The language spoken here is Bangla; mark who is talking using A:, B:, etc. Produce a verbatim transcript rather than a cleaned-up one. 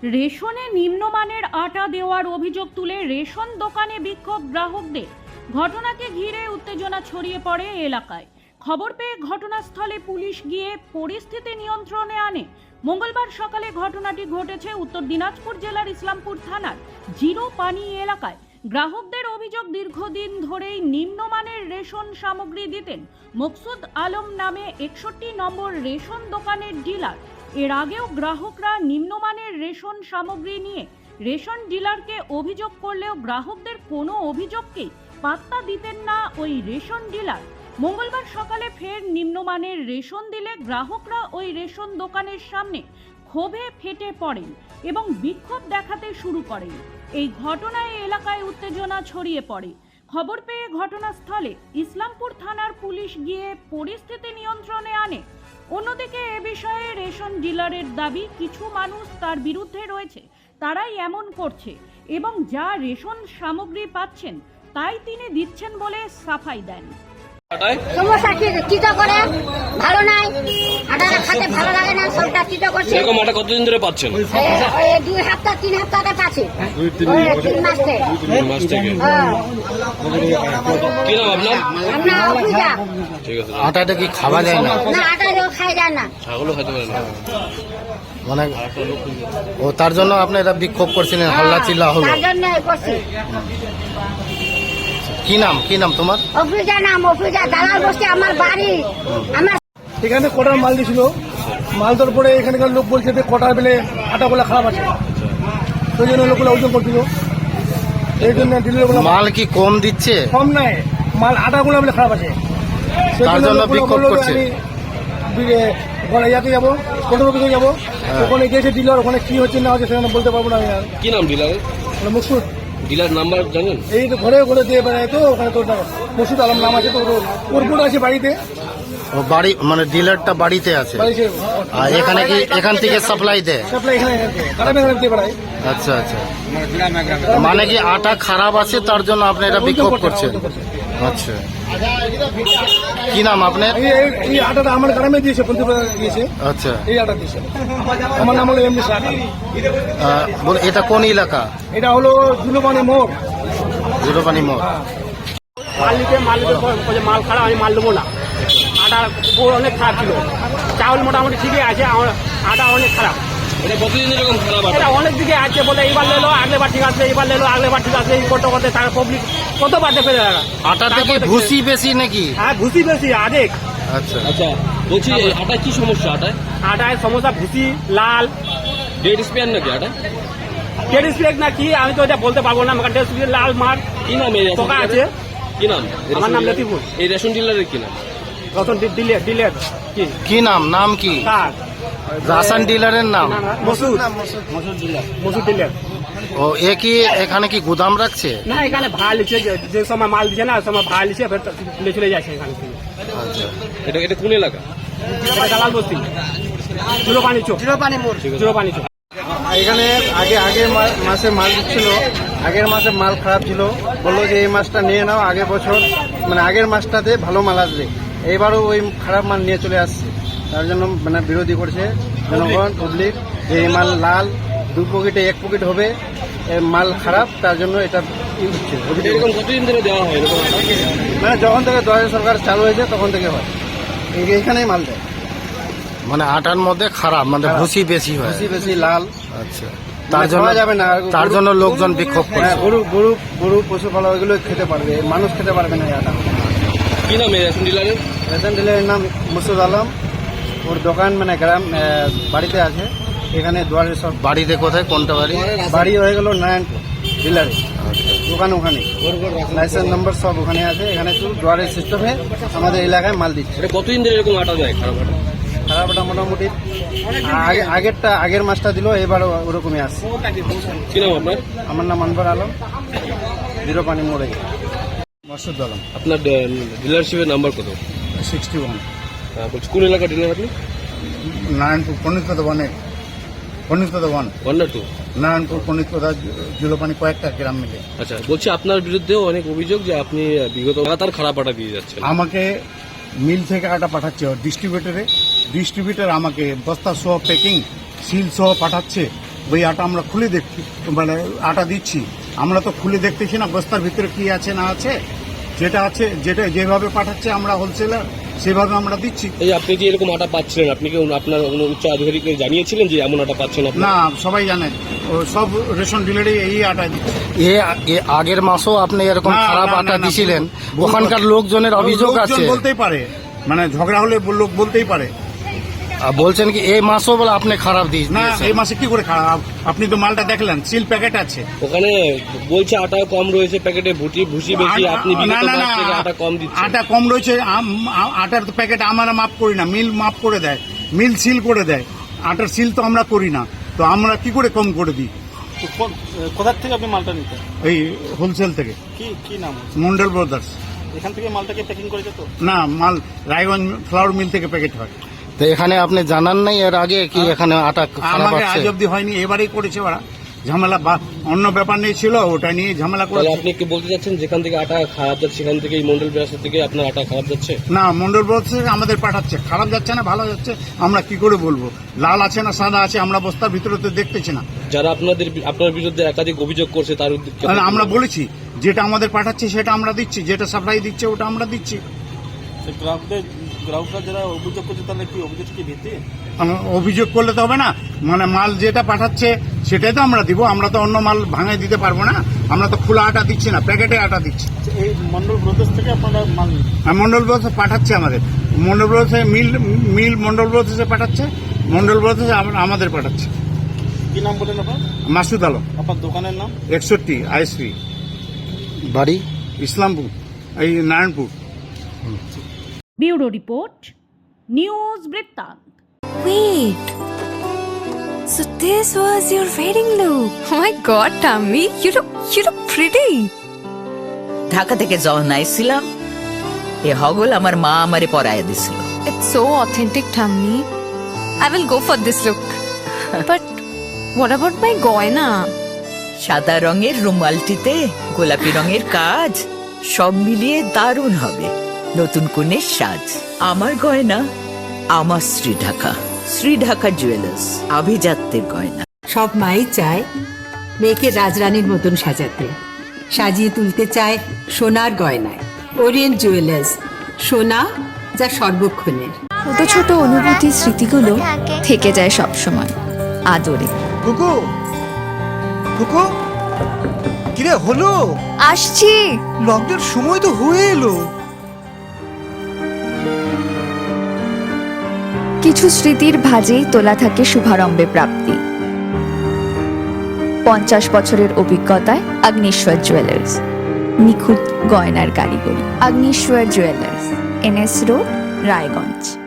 A: রেশনে নিম্নমানের আটা দেওয়ার অভিযোগ তুলে রেশন দোকানে বিক্ষোভ গ্রাহকদের। ঘটনাকে ঘিরে উত্তেজনা ছড়িয়ে পড়ে এলাকায়। খবর পেয়ে ঘটনাস্থলে পুলিশ গিয়ে পরিস্থিতি নিয়ন্ত্রণে আনে। মঙ্গলবার সকালে ঘটনাটি ঘটেছে উত্তর দিনাজপুর জেলার ইসলামপুর থানার জিরো পানি এলাকায়। গ্রাহকদের অভিযোগ, দীর্ঘদিন ধরেই নিম্নমানের রেশন সামগ্রী দিতেন মকসুদ আলম নামে একষট্টি নম্বর রেশন দোকানের ডিলার। এর আগেও গ্রাহকরা নিম্নমানের রেশন সামগ্রী নিয়ে রেশন ডিলারকে অভিযোগ করলেও গ্রাহকদের কোনো অভিযোগকেই পাত্তা দিতেন না ওই রেশন ডিলার। মঙ্গলবার সকালে ফের নিম্নমানের রেশন দিলে গ্রাহকরা ওই রেশন দোকানের সামনে ক্ষোভে ফেটে পড়েন এবং বিক্ষোভ দেখাতে শুরু করেন। এই ঘটনায় এলাকায় উত্তেজনা ছড়িয়ে পড়ে। খবর পেয়ে ঘটনাস্থলে ইসলামপুর থানার পুলিশ গিয়ে পরিস্থিতি নিয়ন্ত্রণে আনে। অন্যদিকে এ বিষয়ে রেশন ডিলারের দাবি, কিছু মানুষ তার বিরুদ্ধে রয়েছে, তারাই এমন করছে এবং যা রেশন সামগ্রী পাচ্ছেন তাই তিনি দিচ্ছেন বলে সাফাই দেন।
B: সমস্যা কি চিটা করে ভালো নাই, আটাটা খেতে ভালো লাগে না, সবটা চিটা করছে।
C: এরকম আটা কতদিন ধরে পাচ্ছেন?
B: এই দুই সপ্তাহ তিন সপ্তাহে পাচ্ছি, দুই তিন মাস থেকে।
C: দুই মাস থেকে।
B: হ্যাঁ।
C: কি নাম আপনার?
B: আমরা অফিসা।
C: ঠিক আছে।
D: আটাটা কি খাওয়া যায় না?
B: না, আটা লোক খাই যায় না।
C: ছাগলও খেতে পারে না।
D: মানে ও তার জন্য আপনি এটা বিক্ষোভ করছিলেন, হাল্লা চিল্লা হলো।
B: তার জন্য করছি।
D: কি নাম কি নাম তোমার?
B: অফিসা নাম, অফিসা দালাল বসছে আমার বাড়ি। আমার
E: এখানে কটার মাল দিয়েছিল, মাল দেওয়ার পরে এখানকার লোক বলছে যে কটার বেলে আটাগুলো খারাপ আছে, সেই জন্য লোকগুলো ওজন করছিল। এই জন্য ডিলারগুলো
D: মাল কি কম দিচ্ছে?
E: কম নাই, মাল আটাগুলো বলে খারাপ আছে, সেই
D: তার জন্য বিক্ষোভ করছে।
E: আমি ইয়াতে যাবো, কন্ট্রোল অফিসে যাবো, ওখানে গিয়েছে ডিলার, ওখানে কি হচ্ছে না হচ্ছে সেখানে বলতে পারবো না আমি। আর
C: কি নাম ডিলার?
E: মকসুদ।
C: ডিলার নাম্বার জানেন?
E: এই তো ঘরে ঘরে দিয়ে বেড়ায়, তো ওখানে তোর মকসুদ আলম নাম আছে, তো ওর বোন আছে বাড়িতে।
D: ও বাড়ি মানে ডিলারটা বাড়িতে আছে,
E: বাড়িতে
D: আর এখানে কি এখান থেকে সাপ্লাই দেয়?
E: সাপ্লাই এখানে খারাপ এখানে দিয়ে বেড়ায়।
D: আচ্ছা আচ্ছা, মানে কি আটা খারাপ আছে তার জন্য আপনি এটা বিক্ষোভ করছেন? আচ্ছা, কি নাম আপনার?
E: এই এই আটাটা আমার গ্রামে দিয়েছে, পঞ্চপ্রধান দিয়েছে।
D: আচ্ছা,
E: এই আটা দিয়েছে। আমার নাম হলো এমডি শাহ।
D: আহ, বল এটা কোন এলাকা?
E: এটা হলো জুলুপানি মোড়।
D: জুলুপানি মোড়।
F: মালিকে মালিকের বলে মাল খারাপ, আমি মাল দেবো না। আটা অনেক খারাপ ছিল, চাউল মোটামুটি ঠিকই আছে, আটা অনেক খারাপ।
C: এটা কতদিন এরকম খারাপ আটা?
F: এটা অনেক দিকে আছে, বলে এইবার লেলো আগলেবার ঠিক আছে, এবার লেলো আগলেবার ঠিক আছে, এই করতে করতে তারা পাবলিক কতবার দেখে যারা।
D: আটা থেকে ভুসি বেশি নাকি?
F: হ্যাঁ, ভুসি বেশি আরেক।
D: আচ্ছা
C: আচ্ছা, বলছি আটা কি সমস্যা? আটায়
F: আটায় সমস্যা ভুসি লাল,
C: ডেট স্পেয়ার নাকি আটা?
F: ডেড স্প্রেক না কি আমি তো এটা বলতে পারবো না, আমার ডেড স্প্রেক লাল মার
C: কি নাম এই রেশন
F: পোকা আছে।
C: ডিলারের? কি নাম?
F: আমার নাম লতিফুল।
C: এই রেশন ডিলারের কি নাম?
F: রতন দিলে দিলে কি
D: কি নাম? নাম কি?
F: কার
D: রাসান ডিলারের নাম?
F: Masud Masud dealer, Masud dealer.
D: ও এ কি এখানে কি গুদাম রাখছে?
F: না, এখানে ভাড়া লিখছে, যে- যে সময় মাল দিচ্ছে না ওই সময় ভাড়া লিখছে, ফের তুলে চলে যাচ্ছে এখান থেকে।
D: আচ্ছা,
C: এটা এটা কোন এলাকা?
F: এটা দালাল বস্তি, জিরো পানি চোখ, জিরো পানি মোড়, জিরো পানি চোখ।
E: এখানে আগে আগের মা- মাসে মাল দিচ্ছিল, আগের মাসে মাল খারাপ ছিল, বললো যে এই মাসটা নিয়ে নাও, আগের বছর মানে আগের মাসটাতে ভালো মাল আসবে, এইবারও ওই খারাপ মাল নিয়ে চলে আসছে। তার জন্য মানে বিরোধী করছে জনগণ, পাবলিক, যে এই মাল লাল, দু পকেটে এক পকেট হবে, এ মাল খারাপ, তার জন্য এটা ই হচ্ছে।
C: এরকম কতদিন ধরে দেওয়া হয় এরকম আটা?
E: মানে যখন থেকে দশ সরকার চালু হয়েছে তখন থেকে হয়, এই- এইখানেই মাল দেয়।
D: মানে আটার মধ্যে খারাপ, মানে ভুসি বেশি হয়।
E: বেশি বেশি লাল,
D: আচ্ছা,
E: মানে
D: তার জন্য
E: খাওয়া যাবে না।
D: তার জন্য লোকজন বিক্ষোভ
E: হ্যাঁ,
D: করছে।
E: গরু গরু গরু পশুপালক এগুলো খেতে পারবে, মানুষ খেতে পারবে না এই আটা।
C: কি নাম এই রেশন ডিলারের?
E: রেশন ডিলারের নাম মকসুদ আলম। ওর দোকান মানে গ্রাম আহ, বাড়িতে আছে, এখানে দুয়ারে সব।
D: বাড়িতে কোথায়? কোনটা বাড়ি?
E: বাড়ি হয়ে গেল নারায়ণপুর, ডিলারে দোকান ওখানে, লাইসেন্স নম্বর সব ওখানে আছে। এখানে শুধু দুয়ারের সিস্টেমে আমাদের এলাকায় মাল দিচ্ছে।
C: এটা কতদিন ধরে এরকম আটা যায় খারাপ আটা?
E: খারাপ আটা মোটামুটি আগে আগেরটা আগের মাসটা দিল, এবারও ওরকমই আসছে।
C: কি নাম আপনার?
E: আমার নাম আনবার আলম, জিরো পানি মোড়ে। মকসুদ আলম,
C: আপনার ডিলারশিপের নাম্বার কত?
E: Sixty one.
C: হ্যাঁ, বলছি কোন এলাকা ডিলার আপনি?
E: নারায়ণপুর পণ্ডিতপদা ওয়ানে, পণ্ডিতপদা ওয়ান,
C: ওয়ান না টু?
E: নারায়ণপুর পণ্ডিতপদা জুলোপানি কয়েকটা গ্রাম মিলে।
C: আচ্ছা, বলছি আপনার বিরুদ্ধেও অনেক অভিযোগ যে আপনি বিগত লাগাতার খারাপ আটা দিয়ে যাচ্ছেন।
E: আমাকে মিল থেকে আটা পাঠাচ্ছে ডিস্ট্রিবিউটরে, ডিস্ট্রিবিউটর আমাকে বস্তা সহ প্যাকিং সিল সহ পাঠাচ্ছে,
G: ওই আটা আমরা খুলে দেখছি, মানে আটা দিচ্ছি, আমরা তো খুলে দেখতেছি না বস্তার ভিতরে কি আছে না আছে। যেটা আছে, যেটা যেভাবে পাঠাচ্ছে আমরা হোলসেলার সেভাবে আমরা দিচ্ছি।
C: এই আপনি যে এরকম আটা পাচ্ছিলেন, আপনি কি আপনার কোনো উচ্চ আধিকারিককে জানিয়েছিলেন যে এমন আটা পাচ্ছেন আপনি?
G: না, সবাই জানে, ও সব রেশন ডিলারই এই আটা দিচ্ছে।
D: এ এ আগের মাসও আপনি এরকম
G: না,
D: খারাপ
G: না,
D: আটা
G: না, না,
D: দিছিলেন,
G: ভুল
D: ওখানকার লোকজনের অভিযোগ
G: লোকজন
D: আছে।
G: বলতেই পারে, মানে ঝগড়া হলে লোক বলতেই পারে।
D: আর বলছেন কি এই মাসও বলে আপনি খারাপ
G: না,
D: দিয়েছেন?
G: এই মাসে কি করে খারাপ? আপনি তো মালটা দেখলেন, সিল প্যাকেট আছে।
C: ওখানে বলছে আটা কম রয়েছে প্যাকেটে, ভুটি ভুসি বেশি, আপনি
G: না,
C: বিগত
G: না,
C: মাস
G: না,
C: থেকে আটা কম দিচ্ছেন।
G: আটা কম রয়েছে, আম- আ- আটার তো প্যাকেট আমরা মাপ করি না, মিল মাপ করে দেয়, মিল সিল করে দেয়। আটার সিল তো আমরা করি না, তো আমরা কি করে কম করে দিই?
E: কোথার থেকে আপনি মালটা নিতেন?
G: এই হোলসেল থেকে,
E: কি কি নাম?
G: মন্ডল ব্রাদার্স।
E: এখান থেকে মালটাকে প্যাকিং করেছে তো?
G: না, মাল রায়গঞ্জ ফ্লাওয়ার মিল থেকে প্যাকেট হয়।
D: তো এখানে আপনি জানান নাই এর আগে কি এখানে আটা খারাপ
G: আমাকে
D: আছে?
G: আজ অব্দি হয়নি, এবারেই করেছে ওরা ঝামেলা, বা অন্য ব্যাপার নিয়ে ছিল, ওটা নিয়ে ঝামেলা
C: তাহলে
G: করেছে।
C: আপনি কি বলতে চাচ্ছেন যেখান থেকে আটা খারাপ যাচ্ছে সেখান থেকে এই মন্ডল ব্যবসা থেকে আপনার আটা খারাপ যাচ্ছে?
G: না, মন্ডল ব্রাদার্স থেকে আমাদের পাঠাচ্ছে, খারাপ যাচ্ছে না ভালো যাচ্ছে আমরা কি করে বলবো? লাল আছে না সাদা আছে আমরা বস্তার ভিতরে তো দেখতেছি না।
C: যারা আপনাদের আপনার বিরুদ্ধে একাধিক অভিযোগ করছে তার উদ্দেশ্যে
G: তাহলে আমরা বলেছি যেটা আমাদের পাঠাচ্ছে সেটা আমরা দিচ্ছি, যেটা সাপ্লাই দিচ্ছে ওটা আমরা দিচ্ছি।
E: গ্রাহকদের গ্রাহকরা যারা অভিযোগ করছে তাহলে কি অভিযোগ কি ভিত্তি?
G: আম- অভিযোগ করলে তো হবে না, মানে মাল যেটা পাঠাচ্ছে সেটাই তো আমরা দিব, আমরা তো অন্য মাল ভাঙাই দিতে পারবো না। আমরা তো খোলা আটা দিচ্ছি না, প্যাকেটে আটা দিচ্ছি।
E: এই মন্ডল ব্রদার্স থেকে আপনারা মাল নিন?
G: আর মন্ডল ব্রাদার্স পাঠাচ্ছে আমাদের, Mondal brothers mill mill Mondal ব্রাদার্সে পাঠাচ্ছে, মন্ডল ব্রাদার্স আমাদের পাঠাচ্ছে।
E: কি নাম বলেন আপনার?
G: মাসুদ আলম,
E: আপনার দোকানের নাম?
G: একষট্টি আইএসপি,
D: বাড়ি
G: ইসলামপুর, এই নারায়ণপুর।
A: ব্যুরো রিপোর্ট, নিউজ বৃত্তান্ত।
H: Wait. So this was your wedding look. Oh my god, Tammy, you look you look pretty.
I: Dhaka থেকে যখন আইছিলাম এ হগল আমার মা আমারে পরায় দিছিল।
H: It's so authentic, Tammy. I will go for this look. But what about my goina?
I: সাদা রঙের রুমালটিতে গোলাপি রঙের কাজ, সব মিলিয়ে দারুণ হবে নতুন কনের সাজ। আমার গয়না আমার শ্রী ঢাকা, শ্রী ঢাকা জুয়েলার্স, আভিজাত্যের গয়না।
J: সব মাই চায় মেয়েকে রাজরানীর মতন সাজাতে, সাজিয়ে তুলতে চায় সোনার গয়নায়। ওরিয়েন্ট জুয়েলার্স, সোনা যা সর্বক্ষণের।
H: ছোট ছোট অনুভূতি স্মৃতিগুলো থেকে যায় সব সময় আদরে।
E: কুকু কুকু কিরে হলো?
H: আসছি।
E: লকডাউন সময় তো হয়ে এলো।
H: কিছু স্মৃতির ভাজেই তোলা থাকে শুভারম্ভে প্রাপ্তি। পঞ্চাশ বছরের অভিজ্ঞতায় আগ্নেশ্বর জুয়েলার্স, নিখুঁত গয়নার কারিগরি। Agneshwar jewellers, NS road, Raiganj.